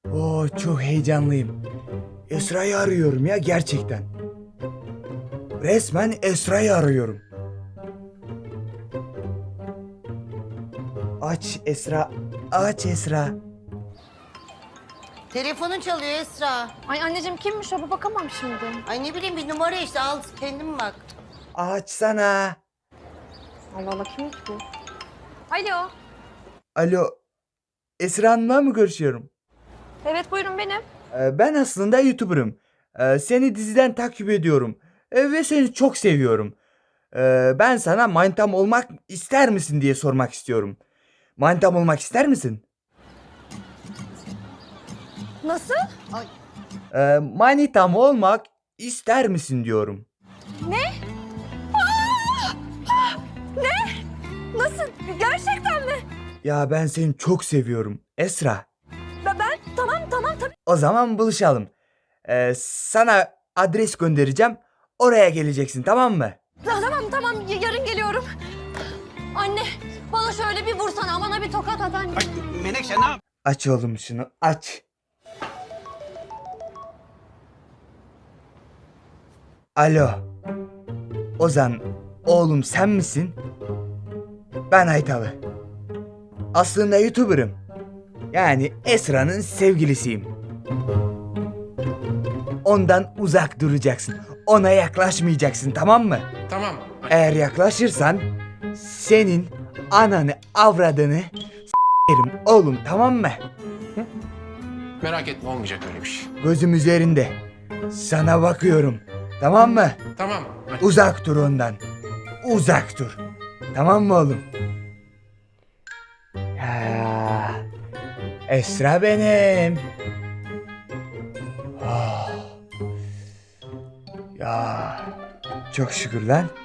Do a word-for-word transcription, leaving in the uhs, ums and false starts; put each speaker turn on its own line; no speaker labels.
Oo, çok heyecanlıyım. Esra'yı arıyorum ya gerçekten. Resmen Esra'yı arıyorum. Aç Esra, aç Esra.
Telefonun çalıyor Esra.
Ay anneciğim kimmiş o? Bir bakamam şimdi.
Ay ne bileyim bir numara işte al kendin bak.
Açsana.
Allah Allah kimmiş bu? Alo.
Alo, Esra Hanım'la mı görüşüyorum?
Evet buyurun benim.
Ee, ben aslında YouTuber'ım. Ee, seni diziden takip ediyorum. Ee, ve seni çok seviyorum. Ee, ben sana manitam olmak ister misin diye sormak istiyorum. Manitam olmak ister misin?
Nasıl?
Ay
Ee, manitam olmak ister misin diyorum.
Nasıl? Gerçekten mi?
Ya ben seni çok seviyorum Esra.
Ben, ben tamam tamam tabii.
O zaman buluşalım. Ee, sana adres göndereceğim. Oraya geleceksin, tamam mı?
Tamam tamam y- yarın geliyorum. Anne bana şöyle bir vursana, bana bir tokat at anne.
Menekşe ne yap?
Aç oğlum şunu, aç. Alo. Ozan, oğlum sen misin? Ben Aytalı. Aslında YouTuber'ım. Yani Esra'nın sevgilisiyim. Ondan uzak duracaksın. Ona yaklaşmayacaksın, tamam mı?
Tamam.
Eğer yaklaşırsan senin ananı avradını s**erim oğlum, tamam mı?
Merak etme olmayacak öyle bir şey.
Gözüm üzerinde. Sana bakıyorum. Tamam mı?
Tamam. Hadi.
Uzak dur ondan. Uzak dur. Tamam mı oğlum? Ya, Esra benim. Ah. Ya, çok şükür lan.